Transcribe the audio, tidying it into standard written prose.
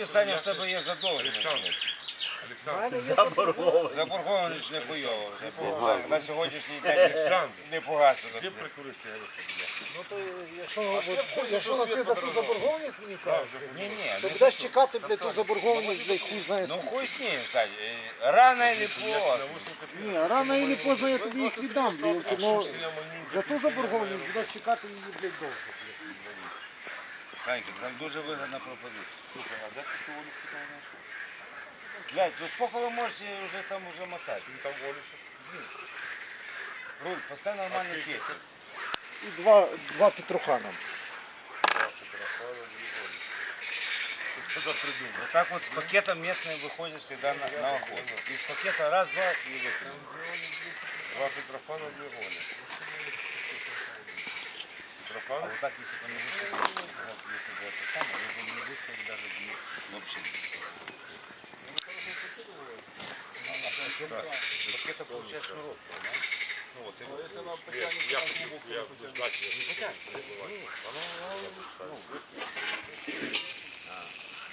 Саня, в тебе є задоволення. Заборгованість не хуйово. На сьогоднішній день не погашено. Де прикурити сигарету? Ну то якщо ти за ту заборгованість мені кажеш, Ні, то будеш чекати, блядь, ту заборгованість, блядь, хуй знає ну скільки. хуй з ним, Саня. Рано или поздно. Ні, рано или поздно я тобі їх віддам, блядь, но за ту заборгованість будеш чекати її, блядь, довго. Санька, там дуже вигідна пропозиція. Слухай, а де ти Олю знайшов? Блядь, ну сколько ви можете вже там уже мотати? Там Олю. Руль, поставь нормальний кесик. І два Петрухана. Кто-то придумал. Вот так вот с пакетом местные выходят всегда на охоту. Из пакета раз, два и выпили. Два Петрофана, две Оли. А Петрофан? вот так, если бы не вышли, вот, если бы это самое, вы бы не выставили даже вообще. С пакета получается шнурок, понимаешь? Ну вот, Если она потянет, я хочу ждать ее. не потянешь.